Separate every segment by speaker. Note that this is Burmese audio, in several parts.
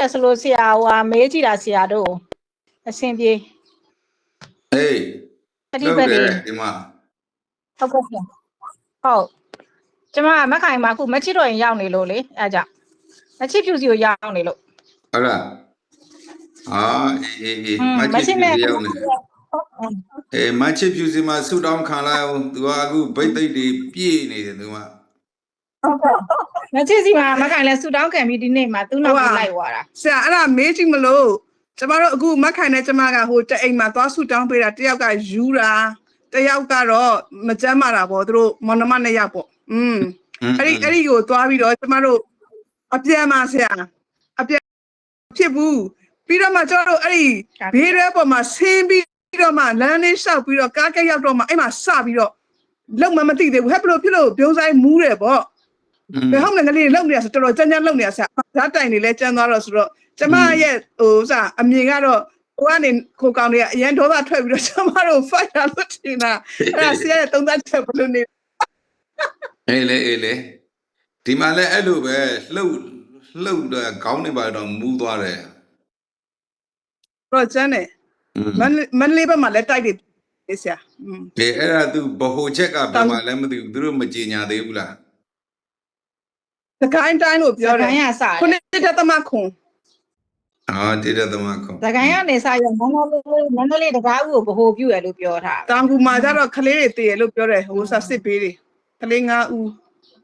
Speaker 1: တယ်ဆိုလို့ဆရာဟိုဟာမေးကြည့်တာဆရာတို့အဆင်ပြေ
Speaker 2: အေး
Speaker 1: တတိပတ်လေး
Speaker 2: ဒီမှာ
Speaker 1: ဟုတ်ကဲ့ဆရာဟုတ်ကျမမခိုင်မှာအခုမချစ်တော့ရင်ရောက်နေလို့လေအဲကြောင့်မချစ်ဖြူစီကိုရောက်နေလို့
Speaker 2: ဟုတ်လားအေးမချစ်ဖြူစီရောက်နေမချစ်ဖြူစီမှာဆူတောင်းခံလိုက်အောင်သူကအခုဗိတ်သိက်တွေပြည့်နေတယ်သူက
Speaker 1: မချစ်စီမှာမခိုင်လဲဆူတောင်းခံပြီးဒီနေ့မှာသူ့နောက်ကိုလိုက်သွားတာ
Speaker 3: ဆရာအဲ့ဒါမေးကြည့်မလို့ကျမတို့အခုမခိုင်နဲ့ကျမကဟိုတအိမ်မှာသွားဆူတောင်းပေးတာတယောက်ကယူတာတယောက်ကတော့မကြမ်းမာတာပေါ့သူတို့မောင်နှမနှစ်ယောက်ပေါ့အဲ့ဒီကိုသွားပြီးတော့ကျမတို့အပြန်မှာဆရာအပြန်ဖြစ်ဘူးပြီးတော့မှကျမတို့အဲ့ဒီဘေးရဲပေါ်မှာဆင်းပြီးတော့မှလမ်းလေးလျှောက်ပြီးတော့ကားကက်ရောက်တော့မှအဲ့မှာစပြီးတော့လုံမသိသေးဘူးဟဲ့ဘလို့ဖြစ်လို့ပြုံးဆိုင်မူးတယ်ပေါ့ဘယ်ဟုတ်လဲငလေးလုံနေရဆိုတော်တော်ကြမ်းကြမ်းလုံနေရဆရာဓာတ်တိုင်တွေလည်းကျန်းသွားတော့ဆိုတော့ကျမရဲ့ဟိုစအမြင်ကတော့ဟိုကနေခိုကောင်တွေကအရန်ဒေါသထွက်ပြီးတော့ကျမတို့ fight တာလို့ထင်တာအဲ့ဒါဆရာရဲ့သုံးသပ်ချက်ဘလို့နေ
Speaker 2: အေးလေဒီမှာလည်းအဲ့လိုပဲလှုပ်တော့ခေါင်းနေပါတော့မူးသွားတယ်
Speaker 3: တော့ကျန်းတယ်မန်လေးဘက်မှာလည်းတိုက်တယ်ဆရာ
Speaker 2: အဲ့ဒါသူဘဟိုချက်ကဘယ်မှာလဲမသိဘူးသူတို့မကြေညာသေးဘူးလား
Speaker 3: သခိုင်းတိုင်းလို့ပြောတယ်ခုနှစ်တက်သမခွန်
Speaker 2: တိရသမခွန်
Speaker 1: သခိုင်းကနေစရမန္တလေးတကားဦးကိုဗဟိုပြုရလို့ပြောထား
Speaker 3: တောင်ကူမှာကျတော့ခလေးတွေတည်ရလို့ပြောတယ်ဟိုဆက်စစ်ပေးတယ်ခလေး9ဦး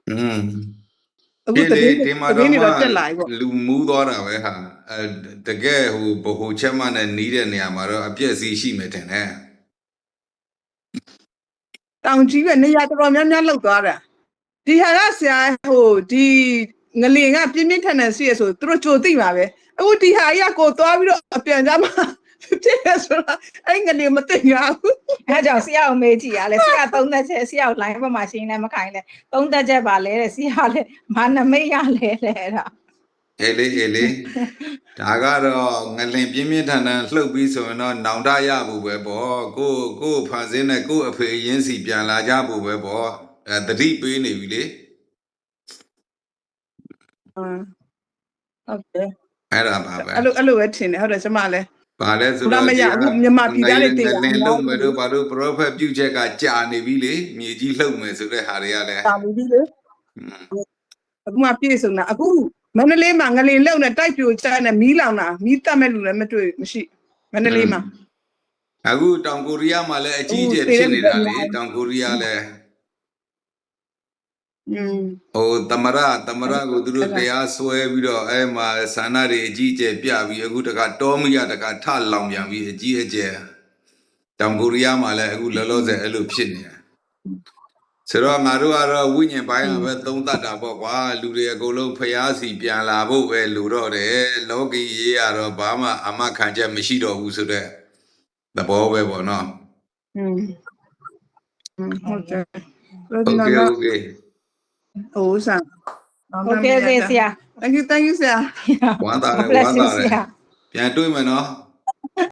Speaker 2: အခုဒီမှာတော့တက်လာပြီပေါ့လူမူးသွားတာပဲဟာတကယ်ဟိုဘဟိုချက်မှနဲ့နီးတဲ့နေရာမှာတော့အပြည့်အစည်ရှိမယ်ထင်တယ်
Speaker 3: တောင်ကြီးပဲနေရာတော်တော်များများလောက်သွားတာဒီဟာကဆရာဟိုဒီငလင်ကပြင်းပြင်းထန်ထန်ရှိရဆိုသူတို့ကြိုသိပါပဲအခုဒီဟာကြီးကကိုသွားပြီးတော့အပြန်ကြမှာဖြစ်ရဆိုတော့အဲ့ငလင်မသိရဘူး
Speaker 1: အဲကြောင့်ဆရာကိုမေးကြည့်ရလဲဆရာသုံးသက်ချက်ဆရာကို line ဘက်မှာရှင်းနေမခိုင်လဲသုံးသက်ချက်ပါလဲတဲ့ဆရာလဲမာနမိတ်ရလဲအဲ့ဒါ
Speaker 2: အေးလေဒါကတော့ငလင်ပြင်းပြင်းထန်ထန်လှုပ်ပြီးဆိုရင်တော့နောင်တရဖို့ပဲပေါ့ကိုဖန်ဆင်းနဲ့ကိုအဖေရင်းစီပြန်လာကြဖို့ပဲပေါ့တတိပေးနေပြီလေ
Speaker 3: ဟုတ်တယ်
Speaker 2: အဲ့ဒါပါပဲ
Speaker 3: အဲ့လိုပဲထင်တယ်ဟုတ်တယ်ကျမလည်း
Speaker 2: ပါလဲဆိုတော့
Speaker 3: မရဘူးမြန်မာပြည်သားတွေတည်
Speaker 2: တယ်လင်းလုံးမယ်တို့ဘာလို့ prophet ပြုချက်ကကြာနေပြီလေမြေကြီးလှုပ်မယ်ဆိုတဲ့ဟာတွေကလည်း
Speaker 3: တာပြီလေအခုမှပြည့်စုံတာအခုမန္တလေးမှာငလင်လုံနဲ့တိုက်ပြိုချနဲ့မီးလောင်တာမီးတက်မဲ့လူလည်းမတွေ့မရှိမန္တလေးမှာ
Speaker 2: အခုတောင်ကိုရီးယားမှာလည်းအကြီးအကျယ်ဖြစ်နေတာလေတောင်ကိုရီးယားလည်းဟိုသမရကိုသူတို့တရားဆွဲပြီးတော့အဲ့မှာဆန္ဒတွေအကြီးအကျယ်ပြပြီးအခုတခါတောမီးရတခါထလောင်ပြန်ပြီးအကြီးအကျယ်တောင်ကိုရီးယားမှာလည်းအခုလောလောဆယ်အဲ့လိုဖြစ်နေတာဆိုတော့ငါတို့ကတော့ဝိညာဉ်ပိုင်းကပဲသုံးသပ်တာပေါ့ကွာလူတွေအကုန်လုံးဖျားစီပြန်လာဖို့ပဲလူတော့တယ်လောကီရေးရတော့ဘာမှအမခံချက်မရှိတော့ဘူးဆိုတဲ့သဘောပဲပေါ့နော်
Speaker 3: ဟုတ်တယ်
Speaker 2: โอเค
Speaker 3: ဟိုဆန်
Speaker 1: Okay ဆရာ
Speaker 3: thank you ဆရာ
Speaker 2: ဝမ်းသာတယ်ပြန်တွေ့မယ်နော်